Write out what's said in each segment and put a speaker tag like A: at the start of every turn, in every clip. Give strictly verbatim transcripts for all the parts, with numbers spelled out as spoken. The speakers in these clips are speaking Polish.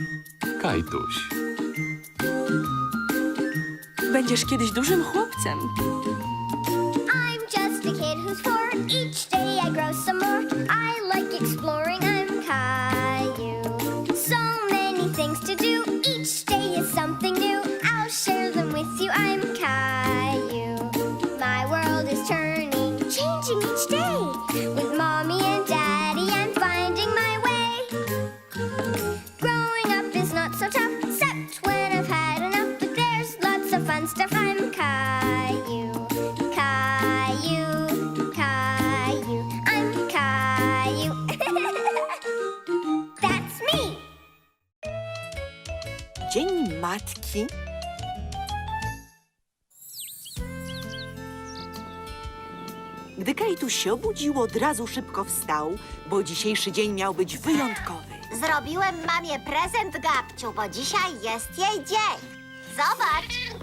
A: Kajtuś.
B: Będziesz kiedyś dużym chłopcem.
C: I'm just a kid who's four. Each day I grow some more. I like exploring. I'm Caillou. So many things to do. Each day is something new. I'll share them with you. I'm Caillou. My world is turning, changing each day. With mommy and daddy, I'm finding my way. Growing up is not so tough, except when I've had enough. But there's lots of fun stuff. I'm Caillou. Caillou, Caillou, I'm Caillou. That's me.
D: Dzień Matki. Gdy Kajtuś się obudził, od razu szybko wstał, bo dzisiejszy dzień miał być wyjątkowy.
E: Zrobiłem mamie prezent, Gabciu, bo dzisiaj jest jej dzień. Zobacz.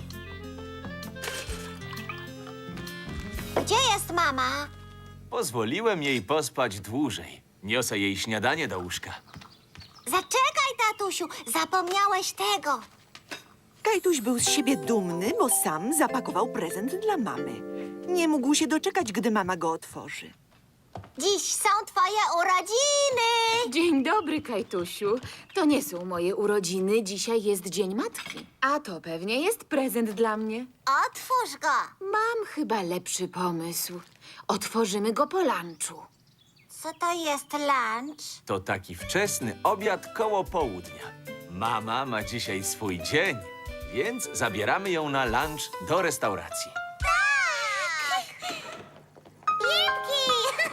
E: Gdzie jest mama?
F: Pozwoliłem jej pospać dłużej. Niosę jej śniadanie do łóżka.
E: Zaczekaj, tatusiu, zapomniałeś tego.
D: Kajtuś był z siebie dumny, bo sam zapakował prezent dla mamy. Nie mógł się doczekać, gdy mama go otworzy.
E: Dziś są twoje urodziny.
B: Dzień dobry, Kajtusiu. To nie są moje urodziny, dzisiaj jest Dzień Matki. A to pewnie jest prezent dla mnie.
E: Otwórz go.
B: Mam chyba lepszy pomysł. Otworzymy go po lunchu.
E: Co to jest lunch?
F: To taki wczesny obiad koło południa. Mama ma dzisiaj swój dzień, więc zabieramy ją na lunch do restauracji.
E: Lipki!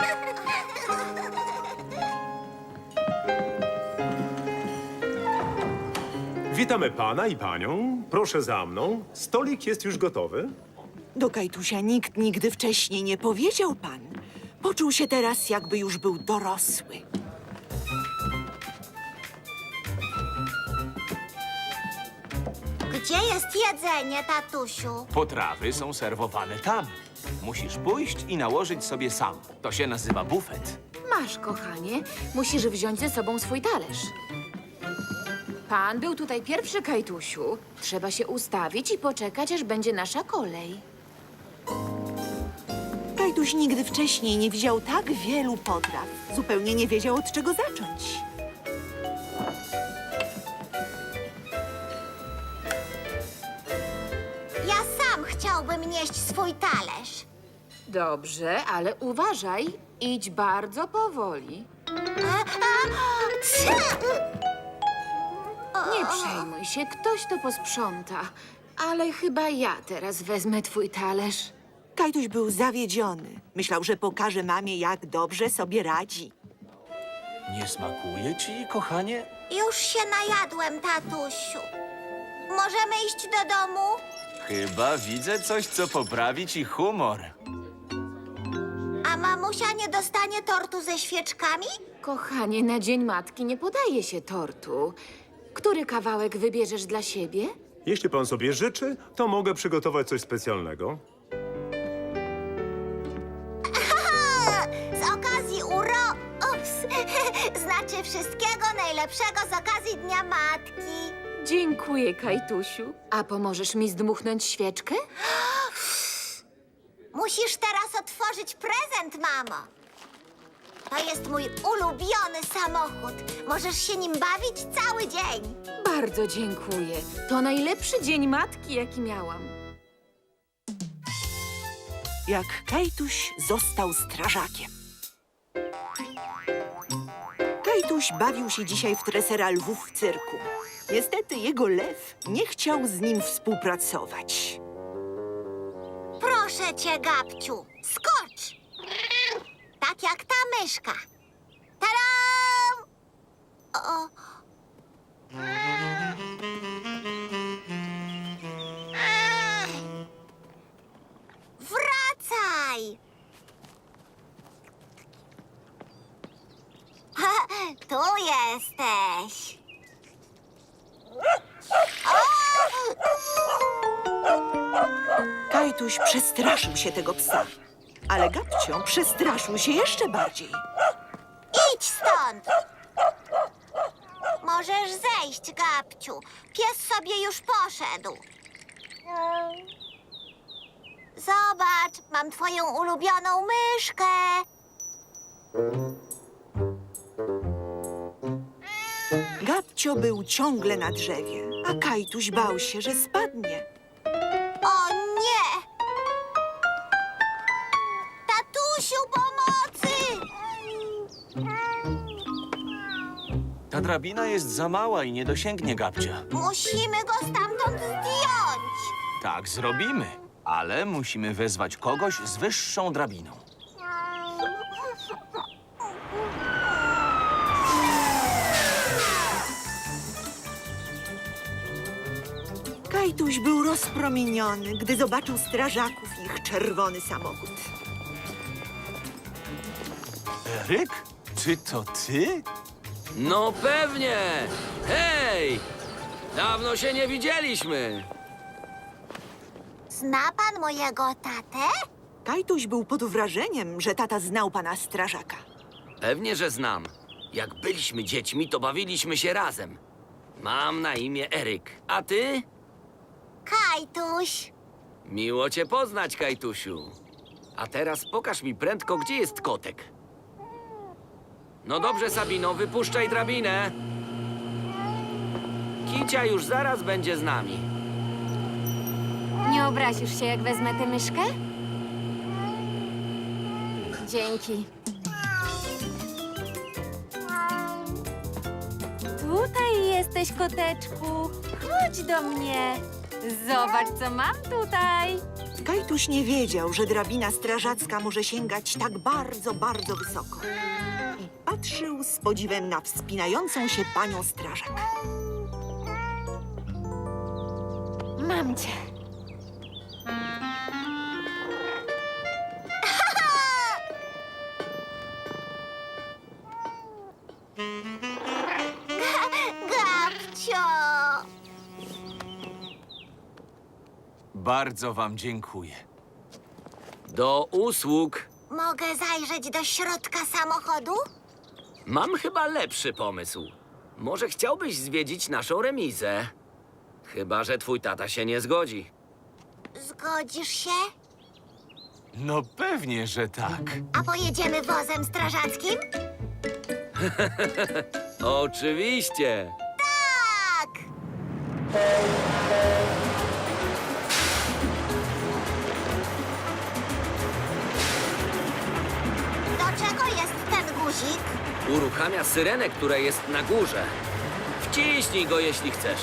G: Witamy pana i panią. Proszę za mną. Stolik jest już gotowy.
D: Do Kajtusia nikt nigdy wcześniej nie powiedział pan. Poczuł się teraz, jakby już był dorosły.
E: Gdzie jest jedzenie, tatusiu?
F: Potrawy są serwowane tam. Musisz pójść i nałożyć sobie sam. To się nazywa bufet.
B: Masz, kochanie. Musisz wziąć ze sobą swój talerz. Pan był tutaj pierwszy, Kajtusiu. Trzeba się ustawić i poczekać, aż będzie nasza kolej.
D: Kajtuś nigdy wcześniej nie widział tak wielu potraw. Zupełnie nie wiedział, od czego zacząć.
E: Ja sam chciałbym nieść swój talerz.
B: Dobrze, ale uważaj. Idź bardzo powoli.
E: A, a,
B: Nie przejmuj się, ktoś to posprząta. Ale chyba ja teraz wezmę twój talerz.
D: Kajtuś był zawiedziony. Myślał, że pokaże mamie, jak dobrze sobie radzi.
F: Nie smakuje ci, kochanie?
E: Już się najadłem, tatusiu. Możemy iść do domu?
F: Chyba widzę coś, co poprawi ci humor.
E: A mamusia nie dostanie tortu ze świeczkami?
B: Kochanie, na Dzień Matki nie podaje się tortu. Który kawałek wybierzesz dla siebie?
G: Jeśli pan sobie życzy, to mogę przygotować coś specjalnego.
E: Z okazji uro... Ups. Znaczy wszystkiego najlepszego z okazji Dnia Matki.
B: Dziękuję, Kajtusiu. A pomożesz mi zdmuchnąć świeczkę?
E: Musisz teraz otworzyć prezent, mamo. To jest mój ulubiony samochód. Możesz się nim bawić cały dzień.
B: Bardzo dziękuję. To najlepszy Dzień Matki, jaki miałam.
D: Jak Kajtuś został strażakiem. Kajtuś bawił się dzisiaj w tresera lwów w cyrku. Niestety jego lew nie chciał z nim współpracować.
E: Proszę cię, Gabciu, skocz! Tak jak ta myszka. Tadam! O. Wracaj! Tu jesteś.
D: Kajtuś przestraszył się tego psa, ale Gabcio przestraszył się jeszcze bardziej.
E: Idź stąd! Możesz zejść. iść, Gabciu. Pies sobie już poszedł. Zobacz, mam twoją ulubioną myszkę.
D: Gabcio był ciągle na drzewie, a Kajtuś bał się, że spadnie.
E: O nie! Tatusiu, pomocy!
F: Ta drabina jest za mała i nie dosięgnie Gabcia.
E: Musimy go stamtąd zdjąć.
F: Tak zrobimy, ale musimy wezwać kogoś z wyższą drabiną.
D: Kajtuś był rozpromieniony, gdy zobaczył strażaków i ich czerwony samochód.
F: Eryk? Czy to ty?
A: No pewnie! Hej! Dawno się nie widzieliśmy.
E: Zna pan mojego tatę?
D: Kajtuś był pod wrażeniem, że tata znał pana strażaka.
A: Pewnie, że znam. Jak byliśmy dziećmi, to bawiliśmy się razem. Mam na imię Eryk. A ty?
E: Kajtuś.
A: Miło cię poznać, Kajtusiu. A teraz pokaż mi prędko, gdzie jest kotek. No dobrze, Sabino, wypuszczaj drabinę. Kicia już zaraz będzie z nami.
B: Nie obrazisz się, jak wezmę tę myszkę? Dzięki. Tutaj jesteś, koteczku. Chodź do mnie. Zobacz, co mam tutaj.
D: Kajtuś nie wiedział, że drabina strażacka może sięgać tak bardzo, bardzo wysoko. I patrzył z podziwem na wspinającą się panią strażak.
B: Mam cię.
E: Gabcio.
F: Bardzo wam dziękuję.
A: Do usług.
E: Mogę zajrzeć do środka samochodu?
A: Mam chyba lepszy pomysł. Może chciałbyś zwiedzić naszą remizę? Chyba że twój tata się nie zgodzi.
E: Zgodzisz się?
F: No pewnie, że tak.
E: A pojedziemy wozem strażackim?
A: Oczywiście.
E: Tak! Do czego jest ten guzik?
A: Uruchamia syrenę, która jest na górze. Wciśnij go, jeśli chcesz.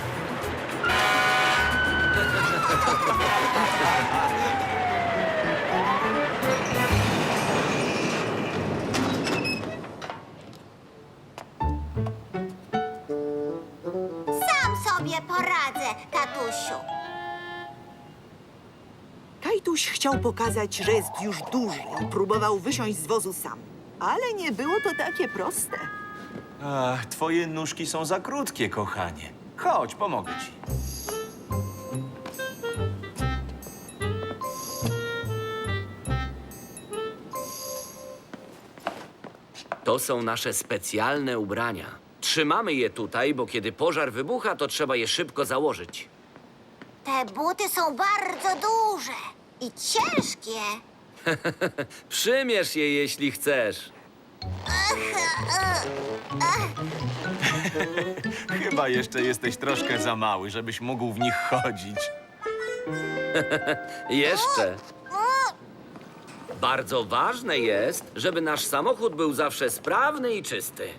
E: Sam sobie poradzę, tatusiu.
D: Kajtuś chciał pokazać, że jest już duży i próbował wysiąść z wozu sam. Ale nie było to takie proste.
F: Ach, twoje nóżki są za krótkie, kochanie. Chodź, pomogę ci.
A: To są nasze specjalne ubrania. Trzymamy je tutaj, bo kiedy pożar wybucha, to trzeba je szybko założyć.
E: Te buty są bardzo duże i ciężkie.
A: Przymierz je, jeśli chcesz.
F: Chyba jeszcze jesteś troszkę za mały, żebyś mógł w nich chodzić.
A: Jeszcze. Bardzo ważne jest, żeby nasz samochód był zawsze sprawny i czysty.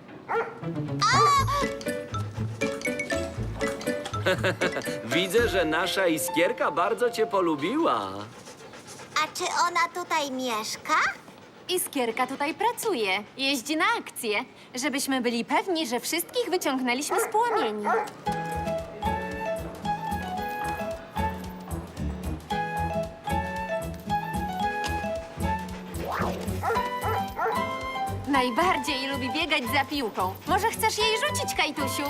A: Widzę, że nasza Iskierka bardzo cię polubiła.
E: A czy ona tutaj mieszka?
B: Iskierka tutaj pracuje. Jeździ na akcje, żebyśmy byli pewni, że wszystkich wyciągnęliśmy z płomieni. Najbardziej lubi biegać za piłką. Może chcesz jej rzucić, Kajtusiu?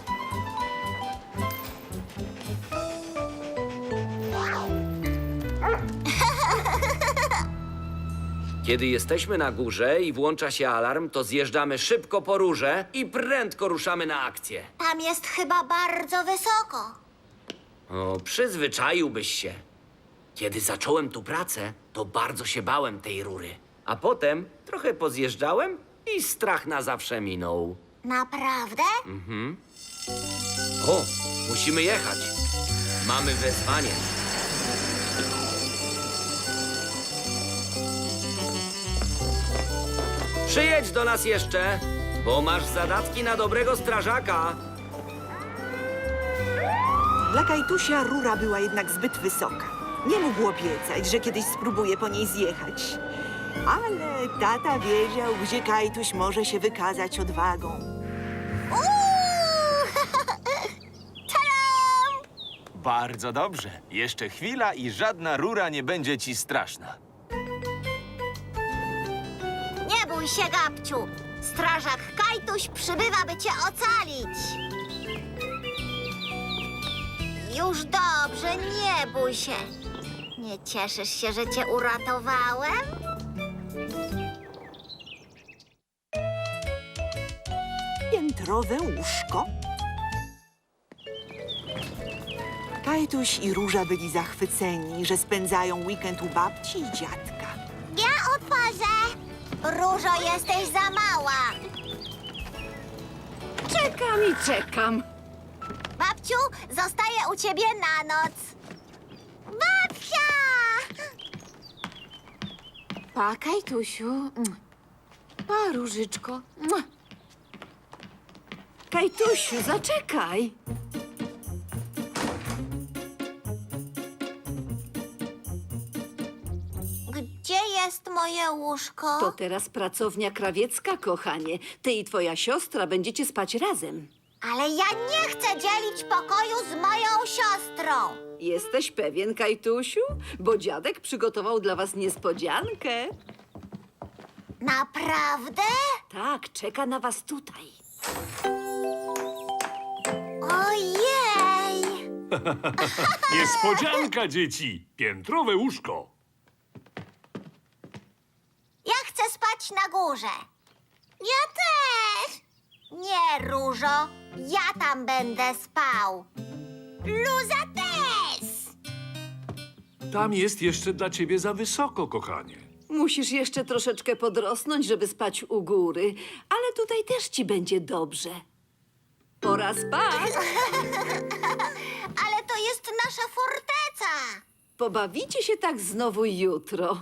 A: Kiedy jesteśmy na górze i włącza się alarm, to zjeżdżamy szybko po rurze i prędko ruszamy na akcję.
E: Tam jest chyba bardzo wysoko.
A: O, przyzwyczaiłbyś się. Kiedy zacząłem tu pracę, to bardzo się bałem tej rury. A potem trochę pozjeżdżałem i strach na zawsze minął.
E: Naprawdę?
A: O, musimy jechać. Mamy wezwanie. Przyjedź do nas jeszcze, bo masz zadatki na dobrego strażaka.
D: Dla Kajtusia rura była jednak zbyt wysoka. Nie mógł obiecać, że kiedyś spróbuje po niej zjechać. Ale tata wiedział, gdzie Kajtuś może się wykazać odwagą.
E: Uuu! Tadam!
F: Bardzo dobrze. Jeszcze chwila i żadna rura nie będzie ci straszna.
E: Nie bój się, Gabciu. Strażak Kajtuś przybywa, by cię ocalić. Już dobrze, nie bój się. Nie cieszysz się, że cię uratowałem?
D: Piętrowe łóżko. Kajtuś i Róża byli zachwyceni, że spędzają weekend u babci i dziadka.
E: Ja otworzę. Różo, jesteś za mała.
B: Czekam i czekam.
E: Babciu, zostaję u ciebie na noc. Babcia!
B: Pa, Kajtusiu. Mm. Pa, Różyczko. Mua.
H: Kajtusiu, zaczekaj!
E: Gdzie jest moje łóżko?
H: To teraz pracownia krawiecka, kochanie. Ty i twoja siostra będziecie spać razem.
E: Ale ja nie chcę dzielić pokoju z moją siostrą.
H: Jesteś pewien, Kajtusiu? Bo dziadek przygotował dla was niespodziankę.
E: Naprawdę?
H: Tak, czeka na was tutaj.
E: Ojej!
I: Niespodzianka, dzieci! Piętrowe łóżko.
E: Ja chcę spać na górze. Ja też. Nie, Różo. Ja tam będę spał. Luza też.
I: Tam jest jeszcze dla ciebie za wysoko, kochanie.
H: Musisz jeszcze troszeczkę podrosnąć, żeby spać u góry, ale tutaj też ci będzie dobrze. Pora spać.
E: Ale to jest nasza forteca.
H: Pobawicie się tak znowu jutro.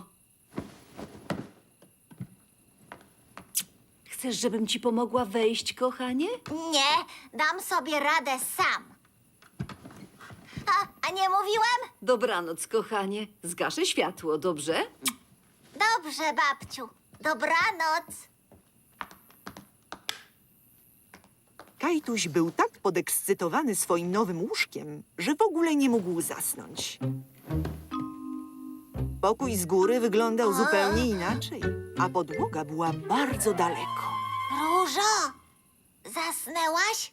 H: Chcesz, żebym ci pomogła wejść, kochanie?
E: Nie, dam sobie radę sam. A, a nie mówiłem?
H: Dobranoc, kochanie. Zgaszę światło, dobrze?
E: Dobrze, babciu. Dobranoc.
D: Kajtuś był tak podekscytowany swoim nowym łóżkiem, że w ogóle nie mógł zasnąć. Pokój z góry wyglądał zupełnie inaczej, a podłoga była bardzo daleko.
E: Różo, zasnęłaś?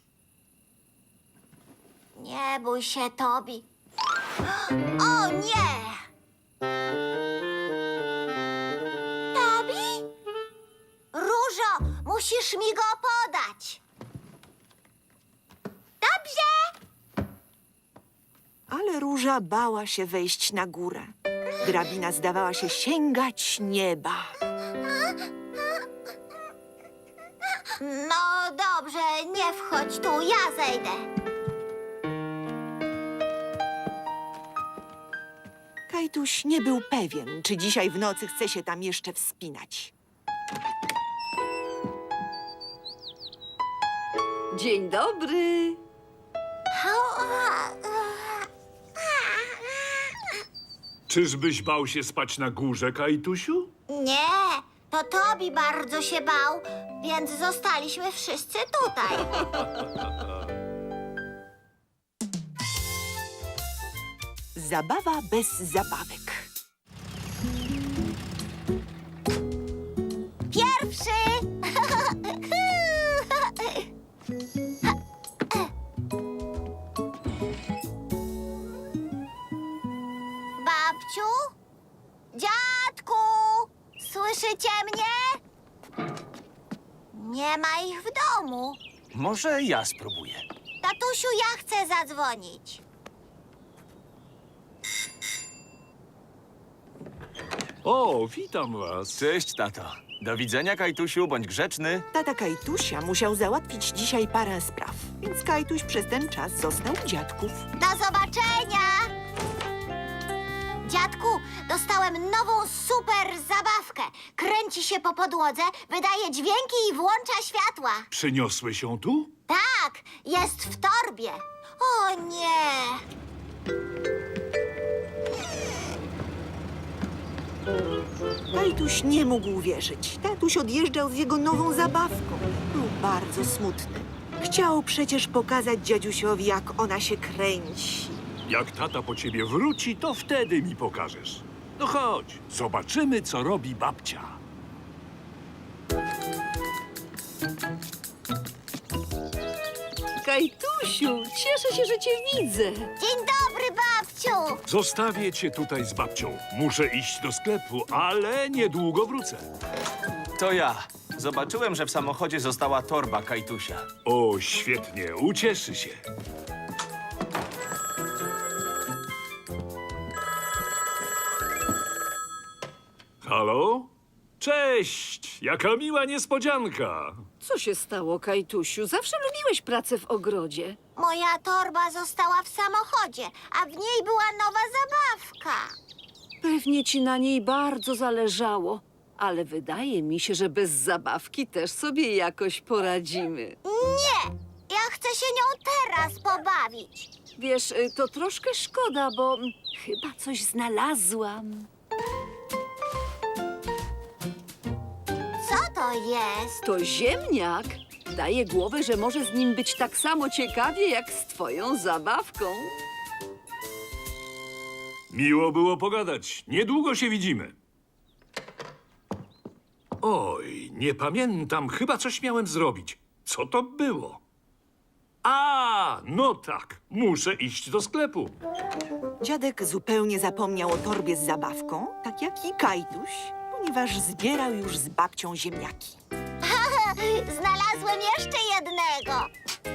E: Nie bój się, Tobi. O nie! Tobi? Różo, musisz mi go podać. Dobrze.
D: Ale Róża bała się wejść na górę. Drabina zdawała się sięgać nieba.
E: No dobrze, nie wchodź tu, ja zejdę.
D: Kajtuś nie był pewien, czy dzisiaj w nocy chce się tam jeszcze wspinać.
H: Dzień dobry.
I: Czyżbyś bał się spać na górze, Kajtusiu?
E: Nie, to Tobi bardzo się bał, więc zostaliśmy wszyscy tutaj.
D: Zabawa bez zabawek.
E: Pierwszy! Babciu? Dziadku? Słyszycie mnie? Nie ma ich w domu.
F: Może ja spróbuję.
E: Kajtusiu, ja chcę zadzwonić.
I: O, witam was.
F: Cześć, tato. Do widzenia, Kajtusiu, bądź grzeczny.
D: Tata Kajtusia musiał załatwić dzisiaj parę spraw, więc Kajtuś przez ten czas został u dziadków.
E: Do zobaczenia! Dziadku, dostałem nową super zabawkę. Kręci się po podłodze, wydaje dźwięki i włącza światła.
I: Przyniosłeś ją tu?
E: Tak, jest w torbie. O nie!
D: Kajtuś nie mógł uwierzyć. Tatuś odjeżdżał z jego nową zabawką. Był bardzo smutny. Chciał przecież pokazać dziadusiowi, jak ona się kręci.
I: Jak tata po ciebie wróci, to wtedy mi pokażesz. No chodź, zobaczymy, co robi babcia.
H: Kajtusiu, cieszę się, że cię widzę.
E: Dzień dobry, babciu!
I: Zostawię cię tutaj z babcią. Muszę iść do sklepu, ale niedługo wrócę.
F: To ja. Zobaczyłem, że w samochodzie została torba Kajtusia.
I: O, świetnie, ucieszy się. Halo? Cześć! Jaka miła niespodzianka!
H: Co się stało, Kajtusiu? Zawsze lubiłeś pracę w ogrodzie.
E: Moja torba została w samochodzie, a w niej była nowa zabawka.
H: Pewnie ci na niej bardzo zależało, ale wydaje mi się, że bez zabawki też sobie jakoś poradzimy.
E: Nie! Ja chcę się nią teraz pobawić.
H: Wiesz, y, to troszkę szkoda, bo mm, chyba coś znalazłam.
E: Co to jest?
H: To ziemniak. Daje głowę, że może z nim być tak samo ciekawie, jak z twoją zabawką.
I: Miło było pogadać. Niedługo się widzimy. Oj, nie pamiętam. Chyba coś miałem zrobić. Co to było? A, no tak. Muszę iść do sklepu.
D: Dziadek zupełnie zapomniał o torbie z zabawką, tak jak i Kajtuś, ponieważ zbierał już z babcią ziemniaki.
E: Znalazłem jeszcze jednego.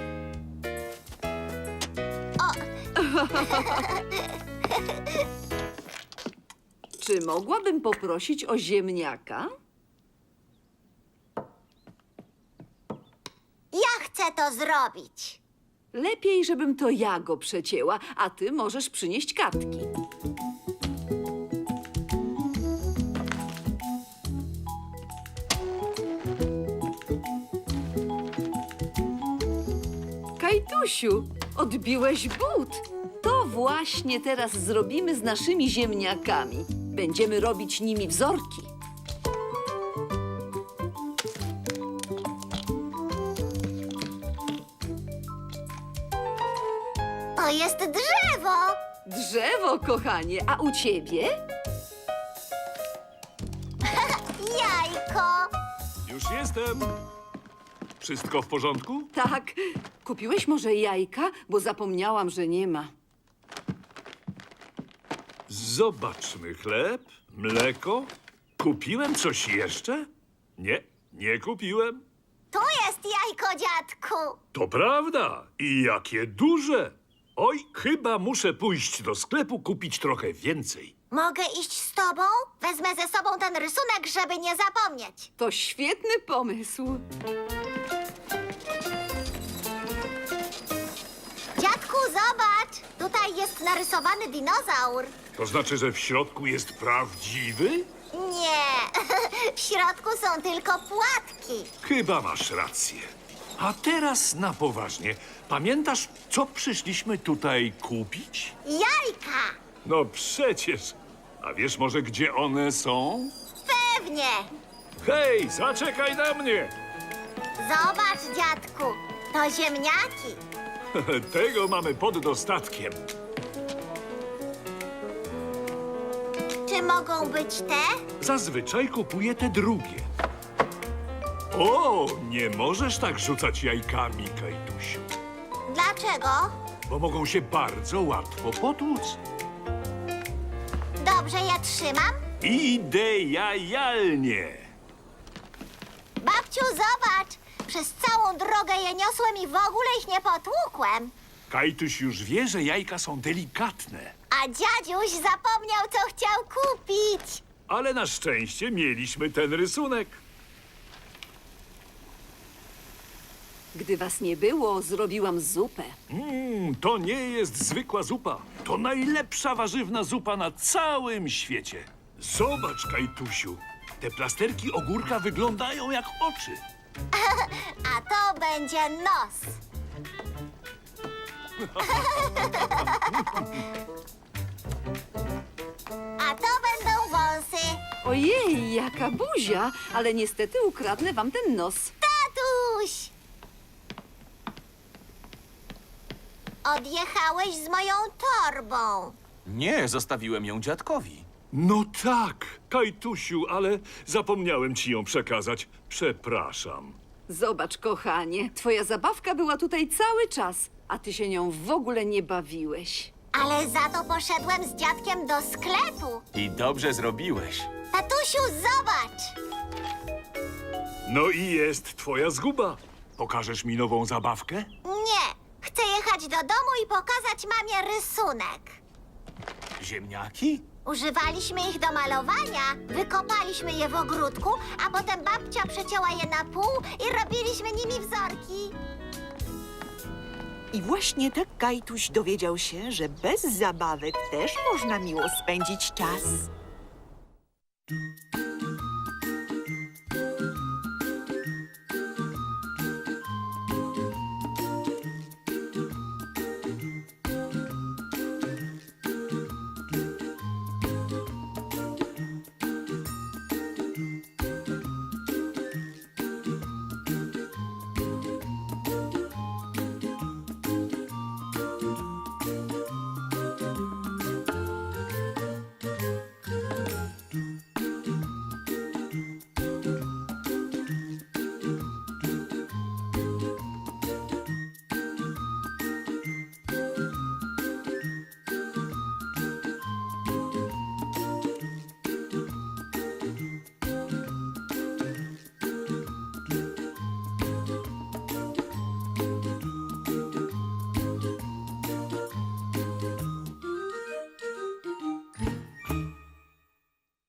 H: Czy mogłabym poprosić o ziemniaka?
E: Ja chcę to zrobić.
H: Lepiej, żebym to ja go przecięła, a ty możesz przynieść kartki. Kajtusiu, odbiłeś but. To właśnie teraz zrobimy z naszymi ziemniakami. Będziemy robić nimi wzorki.
E: To jest drzewo.
H: Drzewo, kochanie, a u ciebie?
E: Jajko.
I: Już jestem. Wszystko w porządku?
H: Tak. Kupiłeś może jajka? Bo zapomniałam, że nie ma.
I: Zobaczmy chleb, mleko. Kupiłem coś jeszcze? Nie, nie kupiłem.
E: Tu jest jajko, dziadku.
I: To prawda. I jakie duże. Oj, chyba muszę pójść do sklepu kupić trochę więcej.
E: Mogę iść z tobą? Wezmę ze sobą ten rysunek, żeby nie zapomnieć.
H: To świetny pomysł.
E: Dziadku, zobacz. Tutaj jest narysowany dinozaur.
I: To znaczy, że w środku jest prawdziwy?
E: Nie, w środku są tylko płatki.
I: Chyba masz rację. A teraz na poważnie. Pamiętasz, co przyszliśmy tutaj kupić?
E: Jajka.
I: No przecież. A wiesz może, gdzie one są?
E: Pewnie.
I: Hej, zaczekaj na mnie!
E: Zobacz, dziadku. To ziemniaki.
I: Tego mamy pod dostatkiem.
E: Czy mogą być te?
I: Zazwyczaj kupuję te drugie. O, nie możesz tak rzucać jajkami, Kajtusiu,
E: Dlaczego?
I: bo mogą się bardzo łatwo potłuc.
E: Dobrze, ja trzymam.
I: Idealnie!
E: Babciu, zobacz. Przez całą drogę je niosłem i w ogóle ich nie potłukłem.
I: Kajtuś już wie, że jajka są delikatne.
E: A dziadziuś zapomniał, co chciał kupić.
I: Ale na szczęście mieliśmy ten rysunek.
H: Gdy was nie było, zrobiłam zupę.
I: Mmm, to nie jest zwykła zupa. To najlepsza warzywna zupa na całym świecie. Zobacz, Kajtusiu. Te plasterki ogórka wyglądają jak oczy.
E: A to będzie nos. A to będą wąsy.
H: Ojej, jaka buzia, ale niestety ukradnę wam ten nos.
E: Tatuś! Odjechałeś z moją torbą.
F: Nie, zostawiłem ją dziadkowi.
I: No tak, Kajtusiu, ale zapomniałem ci ją przekazać. Przepraszam.
H: Zobacz, kochanie, twoja zabawka była tutaj cały czas, a ty się nią w ogóle nie bawiłeś.
E: Ale za to poszedłem z dziadkiem do sklepu.
F: I dobrze zrobiłeś.
E: Tatusiu, zobacz!
I: No i jest twoja zguba. Pokażesz mi nową zabawkę?
E: Nie, chcę jechać do domu i pokazać mamie rysunek.
F: Ziemniaki?
E: Używaliśmy ich do malowania, wykopaliśmy je w ogródku, a potem babcia przecięła je na pół i robiliśmy nimi wzorki.
D: I właśnie tak Kajtuś dowiedział się, że bez zabawek też można miło spędzić czas.